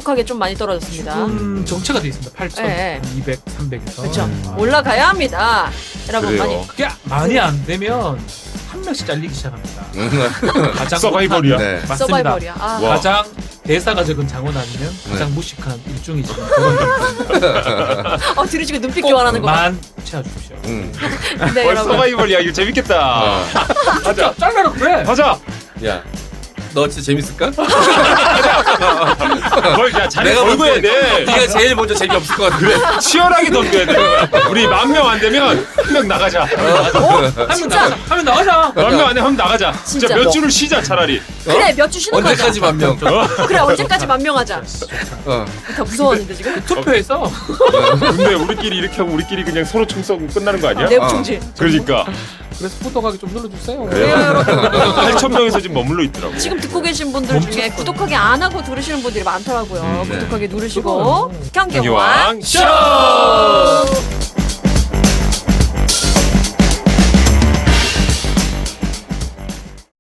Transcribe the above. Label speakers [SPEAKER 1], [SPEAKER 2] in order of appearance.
[SPEAKER 1] 급격하게 좀 많이 떨어졌습니다.
[SPEAKER 2] 정체가 돼 있습니다. 8,200,
[SPEAKER 1] 네.
[SPEAKER 2] 300에서.
[SPEAKER 1] 그렇죠. 올라가야 합니다. 여러분
[SPEAKER 3] 그래요.
[SPEAKER 1] 많이.
[SPEAKER 2] 그게 많이 안 되면 한 명씩 잘리기 시작합니다. 가장
[SPEAKER 3] 서바이벌이야.
[SPEAKER 2] 못한-
[SPEAKER 3] 네.
[SPEAKER 2] 맞습니다.
[SPEAKER 1] 서바이벌이야. 아.
[SPEAKER 3] 와.
[SPEAKER 2] 가장 대사가 적은 장원 아니면 가장 무식한 일중이 지금 그런
[SPEAKER 1] 들으시고 눈빛 교환하는 거.
[SPEAKER 2] 만 채워주십시오.
[SPEAKER 1] 네, 여러분.
[SPEAKER 3] 서바이벌이야. 이거 재밌겠다.
[SPEAKER 2] 진짜 잘라라 그래.
[SPEAKER 3] 가자.
[SPEAKER 4] 야, 너 진짜 재밌을까?
[SPEAKER 3] 뭘, 야, 잘해
[SPEAKER 4] 내가
[SPEAKER 3] 걸고 해야 돼.
[SPEAKER 4] 네가 제일 먼저 재미없을 것 같아.
[SPEAKER 3] 그래, 치열하게 던져야 돼. 우리 10,000명 안 되면 한 명 나가자.
[SPEAKER 1] 진짜.
[SPEAKER 2] 하면 나가자.
[SPEAKER 3] 10,000명 안 되면 한 명 나가자.
[SPEAKER 1] 진짜.
[SPEAKER 3] 진짜 몇 줄을 쉬자, 차라리.
[SPEAKER 1] 그래 몇 주 쉬는 거자.
[SPEAKER 4] 언제까지 만 명?
[SPEAKER 1] 그래 언제까지 만명하자.
[SPEAKER 4] 어.
[SPEAKER 1] 다 무서웠는데 지금.
[SPEAKER 2] 투표해서
[SPEAKER 3] 근데 우리끼리 이렇게 하고 우리끼리 그냥 서로 총 쏘고 끝나는 거 아니야?
[SPEAKER 1] 내부 총질.
[SPEAKER 3] 그러니까.
[SPEAKER 2] 그래서 포토가게 좀 눌러주세요.
[SPEAKER 1] 네, 여러분.
[SPEAKER 3] 8,000명에서 지금 머물러 있더라고.
[SPEAKER 1] 지금 듣고 계신 분들 중에 구독하기 안 하고 들으시는 분들이 많더라고요.
[SPEAKER 4] 네.
[SPEAKER 1] 구독하기 누르시고 경기왕
[SPEAKER 3] 경기왕 쇼!